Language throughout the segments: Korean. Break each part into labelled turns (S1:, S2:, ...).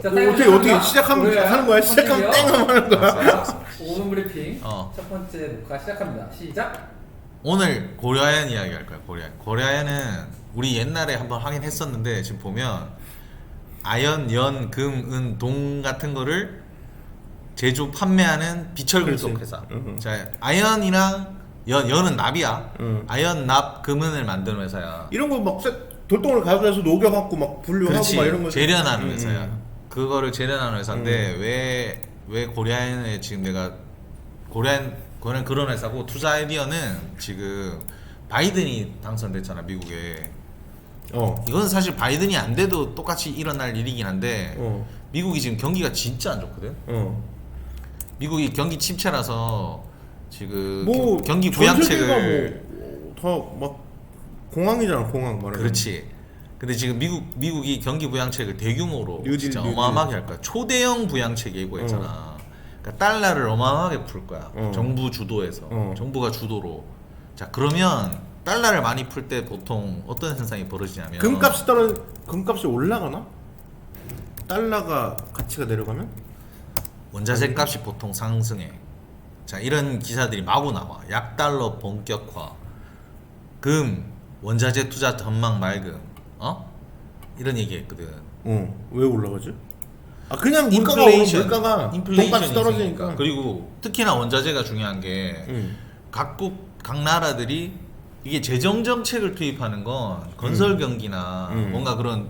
S1: 어떻게 시작하는 거야? 시작하면 땡 하는 거야?
S2: 5분 브리핑 첫 번째 녹화 시작합니다. 시작.
S3: 오늘 고려아연 이야기 할 거야. 고려아연은 우리 옛날에 한번 하긴 했었는데 지금 보면 아연, 연, 금, 은, 동 같은 거를 제조 판매하는 비철금속 회사. 자, 아연이랑 연은 납이야. 아연, 납, 금은을 만드는 회사야.
S1: 이런 거 막 돌덩어리 가져가서 녹여갖고 막 분류하고
S3: 그렇지.
S1: 막 이런 거
S3: 재련하는 회사야. 그거를 재련하는 회사인데 왜 고려아연에 지금 내가 고려아연 그런 회사고 투자 아이디어는 지금 바이든이 당선됐잖아, 미국에. 이건 사실 바이든이 안 돼도 똑같이 일어날 일이긴 한데 미국이 지금 경기가 진짜 안 좋거든. 미국이 경기 침체라서 지금
S1: 뭐
S3: 경기 부양책을
S1: 다막 공황이잖아, 공황 말하는.
S3: 그렇지. 근데 지금 미국이 경기 부양책을 대규모로 진짜
S1: 뉴딜.
S3: 어마어마하게 할 거야. 초대형 부양책 예고했잖아. 그러니까 달러를 어마어마하게 풀 거야. 정부 주도에서. 정부가 주도로. 자, 그러면 달러를 많이 풀 때 보통 어떤 현상이 벌어지냐면
S1: 금값이 올라가나? 달러가 가치가 내려가면?
S3: 원자재 값이 보통 상승해. 자, 이런 기사들이 마구 나와. 약달러 본격화. 금 원자재 투자 전망 맑음. 이런 얘기했거든.
S1: 왜 올라가지? 그냥 물가가 오르면 물가가 돈값이 떨어지니까.
S3: 그리고 특히나 원자재가 중요한 게 각 나라들이 이게 재정 정책을 투입하는 건 건설 경기나 뭔가 그런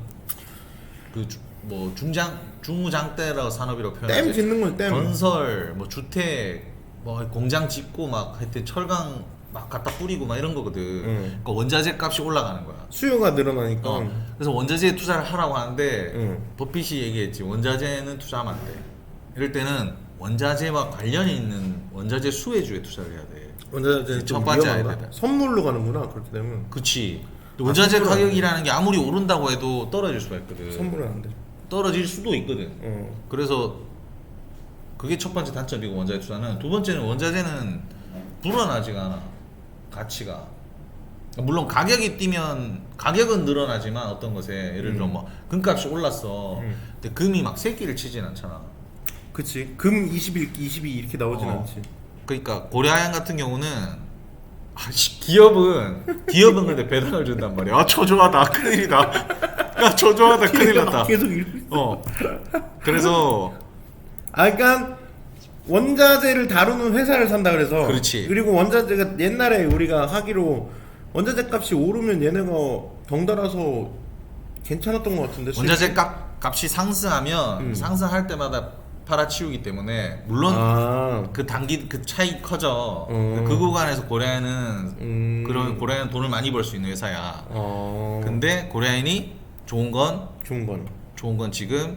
S3: 뭐 중무장대라고 산업이라고 표현하지.
S1: 댐 짓는 건 댐.
S3: 건설, 뭐 주택, 뭐 공장 짓고 막 하여튼 철강 막 갖다 뿌리고 막 이런 거거든. 그러니까 원자재 값이 올라가는 거야.
S1: 수요가 늘어나니까.
S3: 그래서 원자재에 투자를 하라고 하는데 버핏이 얘기했지. 원자재는 투자하면 안 돼. 이럴 때는 원자재와 관련이 있는 원자재 수혜주에 투자를 해야 돼.
S1: 원자재
S3: 첫 번째 해야 돼.
S1: 선물로 가는구나, 그렇게 되면.
S3: 그치. 원자재 가격이라는 게 아무리 오른다고 해도 떨어질 수가 있거든.
S1: 선물은 안 돼.
S3: 떨어질 수도 있거든. 그래서 그게 첫 번째 단점이고, 원자재 투자는. 두 번째는 원자재는 불어나지가 않아, 가치가. 물론 가격이 뛰면 가격은 늘어나지만 어떤 것에 예를 들어 뭐 금값이 올랐어. 근데 금이 막 새끼를 치진 않잖아.
S1: 그치. 금 21, 22 이렇게 나오진 않지.
S3: 그러니까 고려아연 같은 경우는 기업은 근데 배당을 준단 말이야. 초조하다, 큰일이다. 야, 초조하다, 큰일 났다.
S1: 계속 읽고 있어.
S3: 그래서
S1: 그러니까 원자재를 다루는 회사를 산다 그래서.
S3: 그렇지.
S1: 그리고 원자재가 옛날에 우리가 하기로 원자재 값이 오르면 얘네가 덩달아서 괜찮았던 것 같은데.
S3: 원자재 값이 상승하면 상승할 때마다 팔아치우기 때문에 물론 그 차이 커져. 그 구간에서 고려아연은 그런 고려아연 돈을 많이 벌 수 있는 회사야. 근데 고려아연이 좋은 건 지금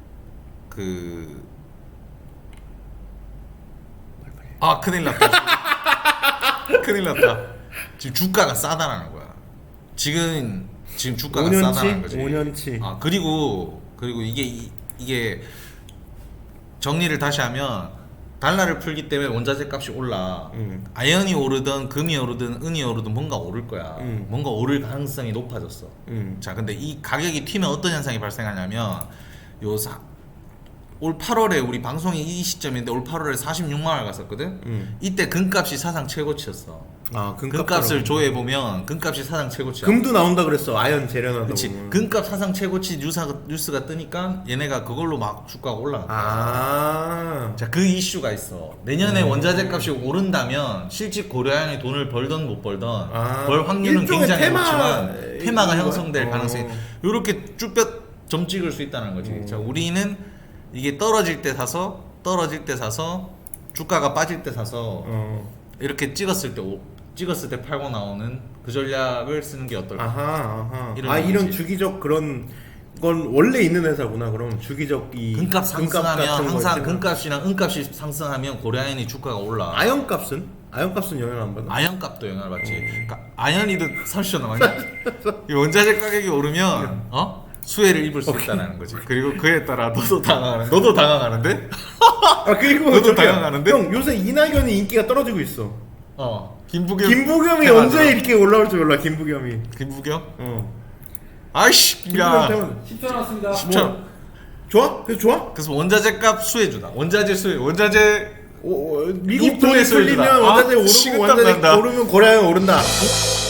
S3: 큰일 났다. 큰일 났다. 지금 주가가 싸다라는 거야. 지금 주가가
S1: 5년치?
S3: 싸다는 거지.
S1: 5년치.
S3: 그리고 이게 정리를 다시 하면 달러를 풀기 때문에 원자재 값이 올라. 아연이 오르든 금이 오르든 은이 오르든 뭔가 오를 거야. 뭔가 오를 가능성이 높아졌어. 자, 근데 이 가격이 튀면 어떤 현상이 발생하냐면 올 8월에 우리 방송이 이 시점인데 올 8월에 46만 원을 갔었거든. 이때 금값이 사상 최고치였어. 금값을 조회해 보면 금값이 사상 최고치야.
S1: 금도 나온다 그랬어. 아연 재련하다.
S3: 그렇지.
S1: 보면.
S3: 금값 사상 최고치 뉴스가 뜨니까 얘네가 그걸로 막 주가가 올라간 거야. 자, 그 이슈가 있어. 내년에 원자재 값이 오른다면 실제 고려아연이 돈을 벌던 못 벌던 벌 확률은 굉장히 높지만 테마가 형성될 가능성이 이렇게 쭈뼛 점 찍을 수 있다는 거지. 자, 우리는 이게 떨어질 때 사서 주가가 빠질 때 사서 이렇게 찍었을 때 팔고 나오는 그 전략을 쓰는 게 어떨까?
S1: 이런 주기적 그런 건 원래 있는 회사구나. 그럼 주기적
S3: 금값 상승하면 항상 금값이랑 은값이 상승하면 고려아연이 주가가 올라.
S1: 아연값은 영향 안 받나?
S3: 아연값도 영향을 받지. 그러니까 아연이도 30초 남았냐? 이 원자재 가격이 오르면 수혜를 입을 수 있다는 거지. 그리고 그에 따라 너도 당황하는데?
S1: 그리고
S3: 너도 당황하는데?
S1: 형, 요새 이낙연이 인기가 떨어지고 있어.
S3: 김부겸이
S1: 언제 이렇게 올라올 줄 몰라. 김부겸이.
S3: 김부겸? 아이씨, 야.
S2: 10초 남았습니다.
S3: 10초.
S1: 좋아? 그래서 좋아?
S3: 그래서 원자재 값 수혜주다. 원자재 수혜. 원자재
S1: 미국
S3: 입금의
S1: 돈이
S3: 수혜주다.
S1: 풀리면 원자재
S3: 아,
S1: 오르고
S3: 식은땀
S1: 원자재
S3: 난다.
S1: 오르면 고려하연 오른다.